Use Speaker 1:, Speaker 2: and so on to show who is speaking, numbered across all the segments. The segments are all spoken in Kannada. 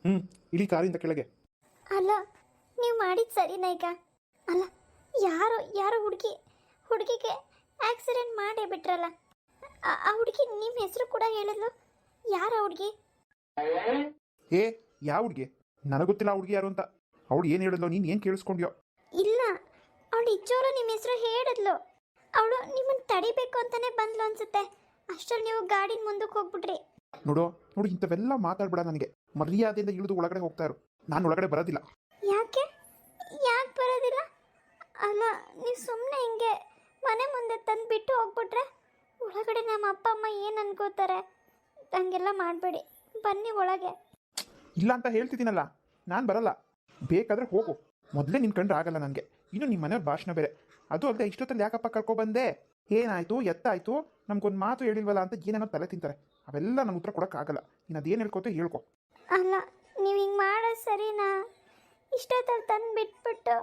Speaker 1: ಹ್ಞೂ, ಇಳಿ ಕಾರಿಂದ ಕೆಳಗೆ.
Speaker 2: ಅಲ್ಲ, ನೀವು ಮಾಡಿದ ಸರಿನಾ ಈಗ? ಅಲ್ಲ, ಯಾರೋ ಯಾರೋ ಹುಡುಗಿಗೆ ಆಕ್ಸಿಡೆಂಟ್ ಮಾಡೇ ಬಿಟ್ರಲ್ಲ. ಆ ಹುಡುಗಿ ನಿಮ್ಮ ಹೆಸರು ಕೂಡ ಹೇಳಿದ್ಲು. ಯಾರು ಆ ಹುಡುಗಿ?
Speaker 1: ಏ, ಯಾವ ಹುಡುಗಿ? ನನಗೆ ಗೊತ್ತಿಲ್ಲ ಆ ಹುಡುಗಿ ಯಾರು ಅಂತ. ಅವಳು ಏನು ಹೇಳಿದ್ಲು, ನೀನು ಏನು ಕೇಳಿಸ್ಕೊಂಡ್ಯೋ?
Speaker 2: ಇಲ್ಲ, ಅವಳು ಇಚ್ಚೋರು ನಿಮ್ಮ ಹೆಸರು ಹೇಳಿದ್ಲು. ಅವಳು ನಿಮ್ಮನ್ನು ತಡಿಬೇಕು ಅಂತಾನೆ ಬಂದ್ಲು ಅನ್ಸುತ್ತೆ. ಅಷ್ಟರಲ್ಲಿ ನೀವು ಗಾಡಿನ ಮುಂದಕ್ಕೆ ಹೋಗ್ಬಿಟ್ರಿ.
Speaker 1: ನೋಡು, ಇಂಥವೆಲ್ಲ ಮಾತಾಡ್ಬೇಡ. ನನಗೆ ಮರ್ಯಾದೆಯಿಂದ ಇಳಿದು ಒಳಗಡೆ ಹೋಗ್ತಾ ಇರು. ನಾನು ಒಳಗಡೆ ಬರೋದಿಲ್ಲ.
Speaker 2: ಯಾಕೆ ಬರೋದಿಲ್ಲ? ಅಲ್ಲ, ನೀವು ಸುಮ್ಮನೆ ಹಿಂಗೆ ಮನೆ ಮುಂದೆ ತಂದು ಬಿಟ್ಟು ಹೋಗ್ಬಿಟ್ರೆ ಒಳಗಡೆ ನಮ್ಮ ಅಪ್ಪ ಅಮ್ಮ ಏನು ಅನ್ಕೋತಾರೆ? ಹಂಗೆಲ್ಲ ಮಾಡಬೇಡಿ, ಬನ್ನಿ ಒಳಗೆ.
Speaker 1: ಇಲ್ಲ ಅಂತ ಹೇಳ್ತಿದ್ದೀನಲ್ಲ, ನಾನು ಬರಲ್ಲ. ಬೇಕಾದರೆ ಹೋಗು. ಮೊದಲೇ ನಿನ್ನ ಕಂಡ್ರೆ ಆಗಲ್ಲ ನನಗೆ. ಇನ್ನು ನಿಮ್ಮ ಮನೆಯವ್ರ ಭಾಷಣ ಬೇರೆ. ಅದು ಅಲ್ಲದೆ ಇಷ್ಟೊತ್ತಲ್ಲಿ ಯಾಕಪ್ಪ ಕರ್ಕೊಬಂದೆ, ಏನಾಯಿತು, ಎತ್ತಾಯಿತು, ನಮ್ಗೊಂದು ಮಾತು ಹೇಳಿಲ್ವಲ್ಲ ಅಂತ ಏನೇನೋ ತಲೆ ತಿಂತಾರೆ. ಅವೆಲ್ಲ ನಂಗೆ ಉತ್ತರ ಕೊಡೋಕ್ಕಾಗಲ್ಲ. ನೀನು ಅದೇನು ಹೇಳ್ಕೊತೋ ಹೇಳ್ಕೊ.
Speaker 2: ಅಲ್ಲ, ನೀವು ಹಿಂಗೆ ಮಾಡೋದು ಸರಿನಾ? ಇಷ್ಟೊತ್ತಲ್ಲಿ ತಂದು ಬಿಟ್ಬಿಟ್ಟು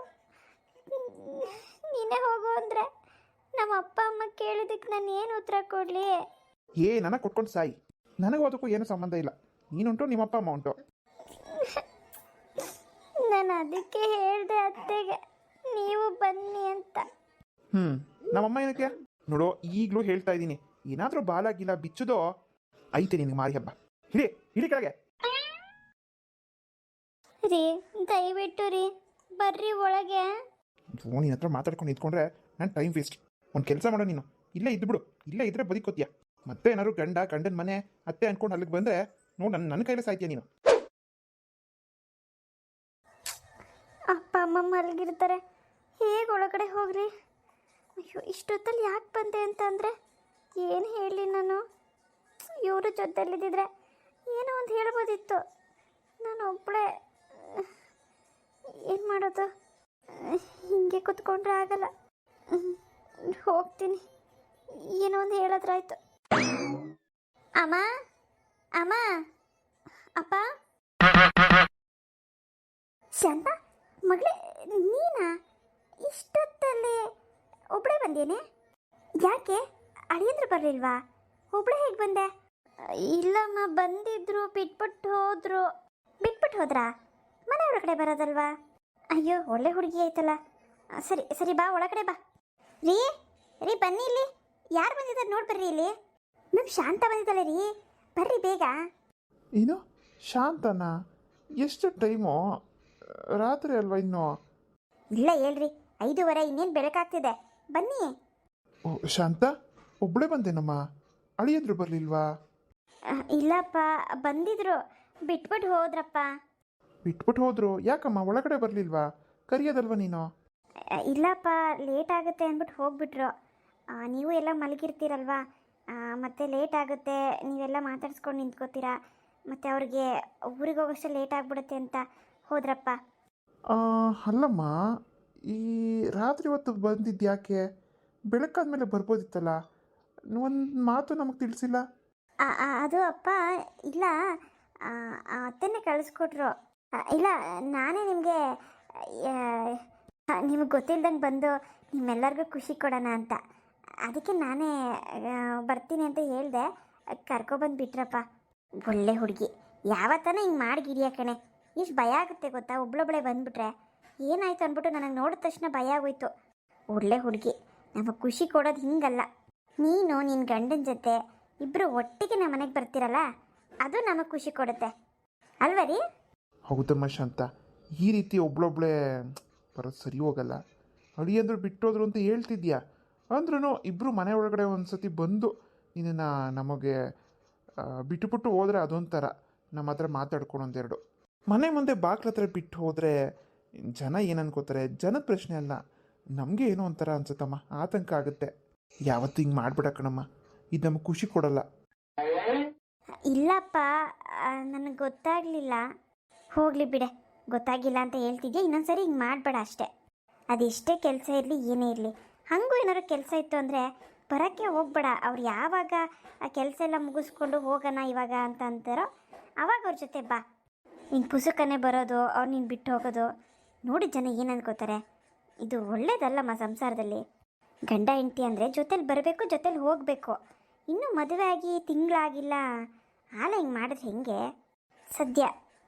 Speaker 2: ನೀನೇ ಹೋಗು ಅಂದರೆ ನಮ್ಮ ಅಪ್ಪ ಅಮ್ಮ ಕೇಳಿದ್ದಕ್ಕೆ ನಾನು ಏನು ಉತ್ತರ ಕೊಡಲಿ?
Speaker 1: ನನಗೆ ಕೊಟ್ಕೊಂಡು ಸಾಯಿ. ನನಗೂ ಅದಕ್ಕೂ ಏನು ಸಂಬಂಧ ಇಲ್ಲ. ನೀನುಂಟು, ನಿಮ್ಮಪ್ಪ ಅಮ್ಮ ಉಂಟು.
Speaker 2: ನಾನು ಅದಕ್ಕೆ ಹೇಳಿದೆ ಅತ್ತೆಗೆ ನೀವು ಬನ್ನಿ ಅಂತ.
Speaker 1: ನಮ್ಮಮ್ಮ ಏನಕ್ಕೆ? ನೋಡು, ಈಗಲೂ ಹೇಳ್ತಾ ಇದ್ದೀನಿ, ಏನಾದರೂ ಬಾಲಾಗಿಲ್ಲ ಬಿಚ್ಚುದೋ ಐತೆ ನಿನಗೆ ಮಾರಿ ಹಬ್ಬ. ಹಿಡಿ ಕೆಳಗೆ.
Speaker 2: ರೀ, ದಯವಿಟ್ಟು ರೀ, ಬರ್ರಿ ಒಳಗೆ.
Speaker 1: ನಿನ್ನ ಹತ್ರ ಮಾತಾಡ್ಕೊಂಡು ಇದ್ಕೊಂಡ್ರೆ ನಾನು ಟೈಮ್ ವೇಸ್ಟ್. ಒಂದು ಕೆಲಸ ಮಾಡೋ, ನೀನು ಇಲ್ಲೇ ಇದ್ಬಿಡು. ಇಲ್ಲೇ ಇದ್ರೆ ಬದುಕೋತೀಯ. ಮತ್ತೆ ಏನಾದ್ರು ಗಂಡನ ಮನೆ ಅತ್ತೆ ಅನ್ಕೊಂಡು ಅಲ್ಲಿಗೆ ಬಂದರೆ ನೋಡು, ನನ್ನ ಕೈಲೇ ಸಾಯ್ತೀಯ ನೀನು.
Speaker 2: ಅಪ್ಪ ಅಮ್ಮ ಮಲಗಿರ್ತಾರೆ, ಹೇಗೆ ಒಳಗಡೆ ಹೋಗ್ರಿ? ಅಯ್ಯೋ, ಇಷ್ಟೊತ್ತಲ್ಲಿ ಯಾಕೆ ಬಂದೆ ಅಂತಂದರೆ ಏನು ಹೇಳಿ ನಾನು? ಇವರು ಜೊತೆಲಿದ್ದಿದ್ರೆ ಏನೋ ಒಂದು ಹೇಳ್ಬೋದಿತ್ತು. ನಾನು ಒಬ್ಬಳೇ ಏನು ಮಾಡೋದು? ಹಿಂಗೆ ಕುತ್ಕೊಂಡ್ರೆ ಆಗಲ್ಲ. ಹೋಗ್ತೀನಿ, ಏನೋ ಒಂದು ಹೇಳಿದ್ರಾಯ್ತು. ಅಮ್ಮ, ಅಮ್ಮ, ಅಪ್ಪ. ಶಾಂತ ಮಗಳೇ, ನೀನಾ? ಇಷ್ಟೊತ್ತಲ್ಲಿ ಒಬ್ಬಳೇ ಬಂದೇನೆ? ಯಾಕೆ ಅಳಿಯಂದ್ರು ಬರಲಿಲ್ವಾ? ಒಬ್ಬಳೇ ಹೇಗೆ ಬಂದೆ? ಇಲ್ಲಮ್ಮ, ಬಂದಿದ್ರು, ಬಿಟ್ಬಿಟ್ಟು ಹೋದ್ರಾ? ಮನೆ ಒಳಗಡೆ ಬರೋದಲ್ವಾ? ಅಯ್ಯೋ, ಒಳ್ಳೆ ಹುಡುಗಿ ಆಯ್ತಲ್ಲ. ಸರಿ ಬಾ, ಒಳಗಡೆ ಬಾ. ರೀ ಬನ್ನಿ ಇಲ್ಲಿ. ಯಾರು ಬಂದಿದ್ದಾರೆ ನೋಡಿ ಬರ್ರಿ ಇಲ್ಲಿ. ನಮ್ಮ ಶಾಂತ ಬಂದಿದ್ದಾಳೆ ರೀ, ಬರ್ರಿ ಬೇಗ.
Speaker 1: ಏನು ಶಾಂತನಾ? ಎಷ್ಟು ಟೈಮು? ರಾತ್ರಿ ಅಲ್ವಾ ಇನ್ನು?
Speaker 2: ಇಲ್ಲ ಹೇಳ್ರಿ, 5:30. ಇನ್ನೇನು ಬೆಳಕಾಗ್ತಿದೆ, ಬನ್ನಿ.
Speaker 1: ಓ ಶಾಂತ, ಒಬ್ಬಳೇ ಬಂದೇನಮ್ಮ? ಅಳಿಯಂದ್ರು ಬರಲಿಲ್ವಾ?
Speaker 2: ಇಲ್ಲಪ್ಪ, ಬಂದಿದ್ರು, ಬಿಟ್ಬಿಟ್ಟು ಹೋದ್ರಪ್ಪ.
Speaker 1: ಬಿಟ್ಬಿಟ್ಟು ಹೋದ್ರು? ಯಾಕಮ್ಮ ಒಳಗಡೆ ಬರಲಿಲ್ವಾ? ಕರಿಯೋದಲ್ವ ನೀನು?
Speaker 2: ಇಲ್ಲಪ್ಪ, ಲೇಟ್ ಆಗುತ್ತೆ ಅಂದ್ಬಿಟ್ಟು ಹೋಗ್ಬಿಟ್ರು. ನೀವು ಎಲ್ಲ ಮಲಗಿರ್ತೀರಲ್ವಾ, ಮತ್ತು ಲೇಟ್ ಆಗುತ್ತೆ, ನೀವೆಲ್ಲ ಮಾತಾಡ್ಸ್ಕೊಂಡು ನಿಂತ್ಕೋತೀರಾ, ಮತ್ತು ಅವ್ರಿಗೆ ಊರಿಗೆ ಹೋಗೋಷ್ಟು ಲೇಟ್ ಆಗಿಬಿಡುತ್ತೆ ಅಂತ ಹೋದ್ರಪ್ಪ.
Speaker 1: ಅಲ್ಲಮ್ಮ, ಈ ರಾತ್ರಿ ಹೊತ್ತು ಬಂದಿದ್ದು ಯಾಕೆ? ಬೆಳಕಾದ್ಮೇಲೆ ಬರ್ಬೋದಿತ್ತಲ್ಲ. ಒಂದು ಮಾತು ನಮಗೆ ತಿಳಿಸಿಲ್ಲ.
Speaker 2: ಅದು ಅಪ್ಪ, ಇಲ್ಲ, ಅತ್ತೆನೇ ಕಳಿಸ್ಕೊಟ್ರು. ಇಲ್ಲ, ನಾನೇ ನಿಮಗೆ ಗೊತ್ತಿಲ್ದಂಗೆ ಬಂದು ನಿಮ್ಮೆಲ್ಲರಿಗೂ ಖುಷಿ ಕೊಡೋಣ ಅಂತ. ಅದಕ್ಕೆ ನಾನೇ ಬರ್ತೀನಿ ಅಂತ ಹೇಳಿದೆ, ಕರ್ಕೊಬಂದು ಬಿಟ್ರಪ್ಪ. ಒಳ್ಳೆ ಹುಡುಗಿ, ಯಾವತ್ತನ ಹಿಂಗೆ ಮಾಡಿಗಿರಿಯ ಕಣೆ. ಇಷ್ಟು ಭಯ ಆಗುತ್ತೆ ಗೊತ್ತಾ, ಒಬ್ಳೊಬ್ಳೆ ಬಂದುಬಿಟ್ರೆ. ಏನಾಯ್ತು ಅಂದ್ಬಿಟ್ಟು ನನಗೆ ನೋಡಿದ ತಕ್ಷಣ ಭಯ ಆಗೋಯ್ತು. ಒಳ್ಳೆ ಹುಡುಗಿ, ನಮಗೆ ಖುಷಿ ಕೊಡೋದು ಹಿಂಗಲ್ಲ. ನೀನು ನಿನ್ನ ಗಂಡನ ಜೊತೆ ಇಬ್ಬರು ಒಟ್ಟಿಗೆ ನಮ್ಮ ಮನೆಗೆ ಬರ್ತೀರಲ್ಲ, ಅದು ನಮಗೆ ಖುಷಿ ಕೊಡುತ್ತೆ ಅಲ್ವ ರೀ?
Speaker 1: ಹೌದಮ್ಮ ಶಾಂತ, ಈ ರೀತಿ ಒಬ್ಳೊಬ್ಳೆ ಬರೋದು ಸರಿ ಹೋಗಲ್ಲ. ಅಳಿಯಂದ್ರು ಬಿಟ್ಟೋದ್ರು ಅಂತ ಹೇಳ್ತಿದ್ಯಾ, ಅಂದ್ರೂ ಇಬ್ಬರು ಮನೆ ಒಳಗಡೆ ಒಂದು ಸತಿ ಬಂದು ನಿನ್ನನ್ನು ನಮಗೆ ಬಿಟ್ಟುಬಿಟ್ಟು ಹೋದರೆ ಅದೊಂಥರ. ನಮ್ಮ ಹತ್ರ ಮಾತಾಡ್ಕೊಂಡು ಒಂದೆರಡು ಮನೆ ಮುಂದೆ ಬಾಗ್ಲ ಹತ್ರ ಬಿಟ್ಟು ಹೋದರೆ ಜನ ಏನು ಅನ್ಕೋತಾರೆ? ಜನದ ಪ್ರಶ್ನೆ ಅಲ್ಲ, ನಮಗೆ ಏನೋ ಒಂಥರ ಅನ್ಸುತ್ತಮ್ಮ, ಆತಂಕ ಆಗುತ್ತೆ. ಯಾವತ್ತು ಹಿಂಗೆ ಮಾಡ್ಬಿಡ ಕಣಮ್ಮ, ಇದು ನಮಗೆ ಖುಷಿ ಕೊಡಲ್ಲ.
Speaker 2: ಇಲ್ಲಪ್ಪ, ನನಗೆ ಗೊತ್ತಾಗಲಿಲ್ಲ. ಹೋಗಲಿ ಬಿಡೆ, ಗೊತ್ತಾಗಿಲ್ಲ ಅಂತ ಹೇಳ್ತಿದ್ಯಾ, ಇನ್ನೊಂದ್ಸರಿ ಹಿಂಗೆ ಮಾಡಬೇಡ ಅಷ್ಟೇ. ಅದೆಷ್ಟೇ ಕೆಲಸ ಇರಲಿ, ಏನೇ ಇರಲಿ, ಹಾಗೂ ಏನಾದ್ರು ಕೆಲಸ ಇತ್ತು ಅಂದರೆ ಬರೋಕ್ಕೆ ಹೋಗ್ಬೇಡ. ಅವ್ರು ಯಾವಾಗ ಆ ಕೆಲಸ ಎಲ್ಲ ಮುಗಿಸ್ಕೊಂಡು ಹೋಗೋಣ ಇವಾಗ ಅಂತ ಅಂತಾರೋ ಆವಾಗ ಅವ್ರ ಜೊತೆ ಬಾ. ನೀನು ಪುಸುಕನೇ ಬರೋದು, ಅವ್ರು ನೀನು ಬಿಟ್ಟು ಹೋಗೋದು ನೋಡಿ ಜನ ಏನು ಅನ್ಕೋತಾರೆ? ಇದು ಒಳ್ಳೇದಲ್ಲಮ್ಮ ಸಂಸಾರದಲ್ಲಿ. ಗಂಡ ಹೆಂಡತಿ ಅಂದರೆ ಜೊತೇಲಿ ಬರಬೇಕು, ಜೊತೇಲಿ ಹೋಗಬೇಕು. ಇನ್ನೂ ಮದುವೆ ಆಗಿ ತಿಂಗಳಾಗಿಲ್ಲ, ಆಲ ಹಿಂಗೆ ಮಾಡಿದ್ರೆ ಹೆಂಗೆ? ಸದ್ಯ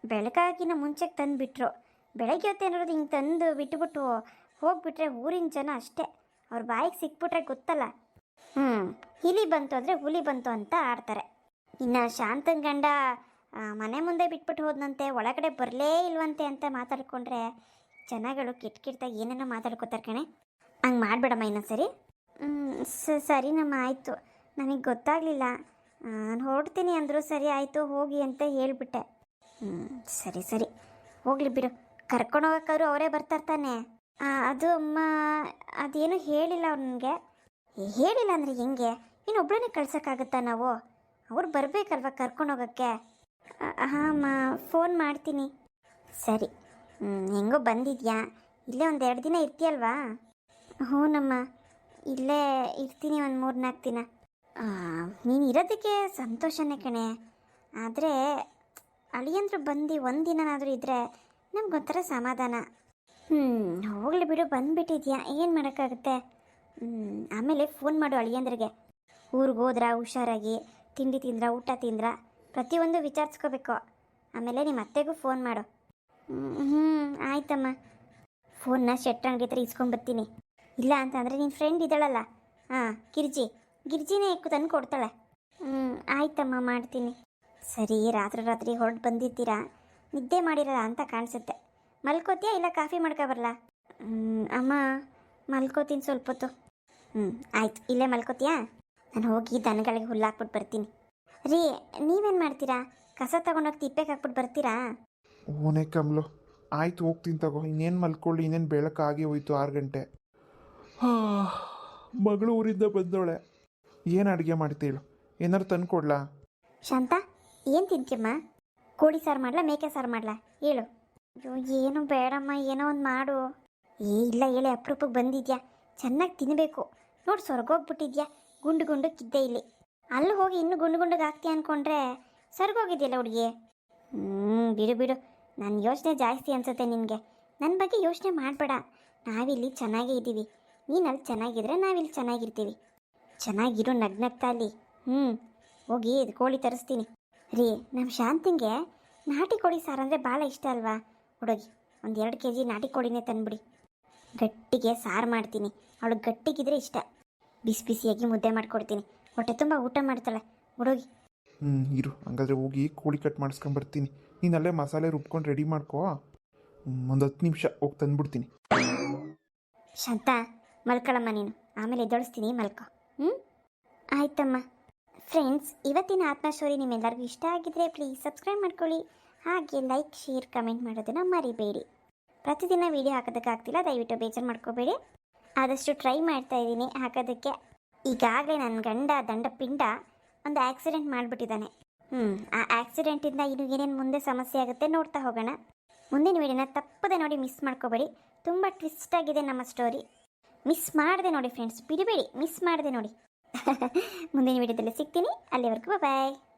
Speaker 2: ಬೆಳಗಾಗಿನ ಮುಂಚೆಗೆ ತಂದುಬಿಟ್ರು. ಬೆಳಗ್ಗೆ ಹೊತ್ತೇನಾದ್ರು ಹಿಂಗೆ ತಂದು ಬಿಟ್ಟುಬಿಟ್ಟು ಹೋಗ್ಬಿಟ್ರೆ ಊರಿನ ಜನ ಅಷ್ಟೇ, ಅವ್ರ ಬಾಯಿಗೆ ಸಿಕ್ಬಿಟ್ರೆ ಗೊತ್ತಲ್ಲ. ಇಲಿ ಬಂತು ಅಂದರೆ ಹುಲಿ ಬಂತು ಅಂತ ಆಡ್ತಾರೆ. ಇನ್ನು ಶಾಂತನ ಗಂಡ ಮನೆ ಮುಂದೆ ಬಿಟ್ಬಿಟ್ಟು ಹೋದ್ನಂತೆ, ಒಳಗಡೆ ಬರಲೇ ಇಲ್ವಂತೆ ಅಂತ ಮಾತಾಡ್ಕೊಂಡ್ರೆ ಜನಗಳು ಕೆಟ್ಟಾಗಿ ಏನೇನೋ ಮಾತಾಡ್ಕೋತಾರೆ ಕಣೆ. ಹಂಗೆ ಮಾಡಬೇಡಮ್ಮ ಇನ್ನೊಂದ್ಸರಿ. ಸರಿನಮ್ಮ ಆಯಿತು, ನನಗೆ ಗೊತ್ತಾಗಲಿಲ್ಲ, ನಾನು ಹೊರಡ್ತೀನಿ ಅಂದರು. ಸರಿ ಆಯಿತು ಹೋಗಿ ಅಂತ ಹೇಳಿಬಿಟ್ಟೆ. ಸರಿ ಸರಿ ಹೋಗಲಿ ಬಿಡು, ಕರ್ಕೊಂಡು ಹೋಗೋಕ್ಕಾದ್ರು ಅವರೇ ಬರ್ತಾರ್ತಾನೆ. ಅದು ಅಮ್ಮ ಅದೇನು ಹೇಳಿಲ್ಲ ಅವ್ರು ನನಗೆ. ಹೇಳಿಲ್ಲ ಅಂದರೆ ಹೆಂಗೆ, ಇನ್ನೊಬ್ಬಳನ್ನೇ ಕಳ್ಸೋಕ್ಕಾಗುತ್ತಾ ನಾವು? ಅವ್ರು ಬರಬೇಕಲ್ವ ಕರ್ಕೊಂಡು ಹೋಗೋಕ್ಕೆ. ಹಾಂ ಅಮ್ಮ ಫೋನ್ ಮಾಡ್ತೀನಿ. ಸರಿ ಹೆಂಗೋ ಬಂದಿದ್ಯಾ, ಇಲ್ಲೇ ಒಂದು 2 ದಿನ ಇರ್ತೀಯಲ್ವಾ? ಹ್ಞೂನಮ್ಮ ಇಲ್ಲೇ ಇರ್ತೀನಿ, ಒಂದು 3-4 ದಿನ. ನೀನು ಇರೋದಕ್ಕೆ ಸಂತೋಷನೇ ಕಣೆ, ಆದರೆ ಅಳಿಯಂದ್ರು ಬಂದು 1 ದಿನನಾದರೂ ಇದ್ದರೆ ನಮ್ಗೊಂಥರ ಸಮಾಧಾನ. ಹೋಗಲಿ ಬಿಡು, ಬಂದುಬಿಟ್ಟಿದ್ಯಾ, ಏನು ಮಾಡೋಕ್ಕಾಗುತ್ತೆ. ಆಮೇಲೆ ಫೋನ್ ಮಾಡು ಅಳಿಯಂದ್ರಿಗೆ. ಊರಿಗೆ ಹೋದ್ರಾ ಹುಷಾರಾಗಿ, ತಿಂಡಿ ತಿಂದ್ರಾ, ಊಟ ತಿಂದ್ರಾ, ಪ್ರತಿಯೊಂದು ವಿಚಾರಿಸ್ಕೋಬೇಕು. ಆಮೇಲೆ ನಿಮ್ಮ ಅತ್ತೆಗೂ ಫೋನ್ ಮಾಡು. ಆಯ್ತಮ್ಮ. ಫೋನ್ನ ಶೆಟ್ರ್ ಅಂಗಡಿ ಹತ್ರ ಇಸ್ಕೊಂಬರ್ತೀನಿ. ಇಲ್ಲ ಅಂತಂದರೆ ನಿನ್ನ ಫ್ರೆಂಡ್ ಇದ್ದಾಳಲ್ಲ, ಗಿರ್ಜಿನೇ ತಂದು ಕೊಡ್ತಾಳೆ. ಆಯ್ತಮ್ಮ ಮಾಡ್ತೀನಿ. ಸರಿ ರಾತ್ರಿ ಹೊರಟು ಬಂದಿರ್ತೀರಾ, ನಿದ್ದೆ ಮಾಡಿರಲ್ಲ ಅಂತ ಕಾಣಿಸುತ್ತೆ. ಮಲ್ಕೋತೀಯಾ ಇಲ್ಲ ಕಾಫಿ ಮಾಡ್ಕೊಬರಲ್ಲ? ಅಮ್ಮ ಮಲ್ಕೋತೀನಿ ಸ್ವಲ್ಪ ಹೊತ್ತು. ಆಯ್ತು, ಇಲ್ಲೇ ಮಲ್ಕೋತೀಯಾ? ನಾನು ಹೋಗಿ ದನಗಳಿಗೆ ಹುಲ್ಲು ಹಾಕ್ಬಿಟ್ಟು ಬರ್ತೀನಿ. ರೀ ನೀವೇನು ಮಾಡ್ತೀರಾ? ಕಸ ತಗೊಂಡೋಗಿ ತಿಪ್ಪೆಗೆ ಹಾಕ್ಬಿಟ್ಟು ಬರ್ತೀರಾ?
Speaker 1: ಓನೇ ಕಮ್ಲು, ಆಯ್ತು ಹೋಗ್ತೀನಿ ತಗೋ. ಇನ್ನೇನು ಮಲ್ಕೊಳ್ಳಿ, ಇನ್ನೇನು ಬೆಳಕಾಗಿ ಹೋಯ್ತು 6 ಗಂಟೆ. ಮಗಳು ಊರಿಂದ ಬಂದವಳೆ, ಏನು ಅಡುಗೆ ಮಾಡ್ತೀಳು? ಏನಾರು ತಂದು ಕೊಡ್ಲಾ?
Speaker 2: ಶಾಂತ ಏನು ತಿಂತೀಯಮ್ಮ? ಕೋಳಿ ಸಾರು ಮಾಡ್ಲಾ, ಮೇಕೆ ಸಾರು ಮಾಡ್ಲಾ? ಹೇಳು. ಅಯ್ಯೋ ಏನು ಬೇಡಮ್ಮ, ಏನೋ ಒಂದು ಮಾಡು. ಇಲ್ಲ ಹೇಳಿ, ಅಪರೂಪಕ್ಕೆ ಬಂದಿದ್ಯಾ, ಚೆನ್ನಾಗಿ ತಿನ್ನಬೇಕು. ನೋಡಿ ಸೊರ್ಗೋಗ್ಬಿಟ್ಟಿದ್ಯಾ, ಗುಂಡು ಕಿದ್ದೆ ಇಲ್ಲಿ. ಅಲ್ಲಿ ಹೋಗಿ ಇನ್ನೂ ಗುಂಡಿಗೆ ಹಾಕ್ತೀಯ ಅಂದ್ಕೊಂಡ್ರೆ ಸೊರ್ಗೋಗಿದೆಯಲ್ಲ ಹುಡುಗಿ. ಬಿಡು, ನನ್ನ ಯೋಚನೆ ಜಾಸ್ತಿ ಅನ್ಸುತ್ತೆ ನಿನಗೆ. ನನ್ನ ಬಗ್ಗೆ ಯೋಚನೆ ಮಾಡಬೇಡ, ನಾವಿಲ್ಲಿ ಚೆನ್ನಾಗೇ ಇದ್ದೀವಿ. ನೀನು ಅಲ್ಲಿ ಚೆನ್ನಾಗಿದ್ರೆ ನಾವಿಲ್ಲಿ ಚೆನ್ನಾಗಿರ್ತೀವಿ. ಚೆನ್ನಾಗಿರು, ನಗ್ನಗ್ತಾ ಅಲ್ಲಿ. ಹೋಗಿ ಕೋಳಿ ತರಿಸ್ತೀನಿ. ರೀ ನಮ್ಮ ಶಾಂತಿಗೆ ನಾಟಿ ಕೋಳಿ ಸಾರು ಅಂದರೆ ಭಾಳ ಇಷ್ಟ ಅಲ್ವಾ? ಹುಡುಗಿ ಒಂದು 2 kg ನಾಟಿ ಕೋಳಿನೇ ತಂದುಬಿಡಿ, ಗಟ್ಟಿಗೆ ಸಾರು ಮಾಡ್ತೀನಿ. ಅವಳಿಗೆ ಗಟ್ಟಿಗಿದ್ರೆ ಇಷ್ಟ. ಬಿಸಿಯಾಗಿ ಮುದ್ದೆ ಮಾಡಿಕೊಡ್ತೀನಿ, ಹೊಟ್ಟೆ ತುಂಬ ಊಟ ಮಾಡ್ತಾಳೆ ಹುಡುಗಿ.
Speaker 1: ಇರು, ಹಂಗಾದ್ರೆ ಹೋಗಿ ಕೋಳಿ ಕಟ್ ಮಾಡಿಸ್ಕೊಂಬರ್ತೀನಿ. ನೀನು ಅಲ್ಲೇ ಮಸಾಲೆ ರುಬ್ಕೊಂಡು ರೆಡಿ ಮಾಡ್ಕೋ, ಒಂದು 10 ನಿಮಿಷ ಹೋಗಿ ತಂದುಬಿಡ್ತೀನಿ.
Speaker 2: ಶಾಂತ ಮಲ್ಕೊಳ್ಳಮ್ಮ ನೀನು, ಆಮೇಲೆ ಎದ್ದೊಳಿಸ್ತೀನಿ, ಮಲ್ಕೊ. ಆಯ್ತಮ್ಮ. ಫ್ರೆಂಡ್ಸ್, ಇವತ್ತಿನ ಆತ್ಮ ಸ್ಟೋರಿ ನಿಮ್ಮೆಲ್ಲರಿಗೂ ಇಷ್ಟ ಆಗಿದ್ರೆ ಪ್ಲೀಸ್ ಸಬ್ಸ್ಕ್ರೈಬ್ ಮಾಡ್ಕೊಳ್ಳಿ. ಹಾಗೆ ಲೈಕ್, ಶೇರ್, ಕಮೆಂಟ್ ಮಾಡೋದನ್ನು ಮರಿಬೇಡಿ. ಪ್ರತಿದಿನ ವೀಡಿಯೋ ಹಾಕೋದಕ್ಕಾಗ್ತಿಲ್ಲ, ದಯವಿಟ್ಟು ಬೇಜಾರು ಮಾಡ್ಕೋಬೇಡಿ. ಆದಷ್ಟು ಟ್ರೈ ಮಾಡ್ತಾ ಇದ್ದೀನಿ ಹಾಕೋದಕ್ಕೆ. ಈಗಾಗಲೇ ನನ್ನ ಗಂಡ ದಂಡಪಿಂಡ ಒಂದು ಆಕ್ಸಿಡೆಂಟ್ ಮಾಡಿಬಿಟ್ಟಿದ್ದಾನೆ. ಆ ಆಕ್ಸಿಡೆಂಟಿಂದ ಇನ್ನು ಏನೇನು ಮುಂದೆ ಸಮಸ್ಯೆ ಆಗುತ್ತೆ ನೋಡ್ತಾ ಹೋಗೋಣ. ಮುಂದಿನ ವೀಡಿಯೋನ ತಪ್ಪದೆ ನೋಡಿ, ಮಿಸ್ ಮಾಡ್ಕೋಬೇಡಿ. ತುಂಬ ಟ್ವಿಸ್ಟ್ ಆಗಿದೆ ನಮ್ಮ ಸ್ಟೋರಿ. ಮಿಸ್ ಮಾಡದೆ ನೋಡಿ ಫ್ರೆಂಡ್ಸ್, ಬಿಡಬೇಡಿ, ಮಿಸ್ ಮಾಡದೆ ನೋಡಿ. ಮುಂದಿನ ವೀಡಿಯೋದಲ್ಲಿ ಸಿಗ್ತೀನಿ, ಅಲ್ಲಿವರೆಗೂ ಬಾಯ್.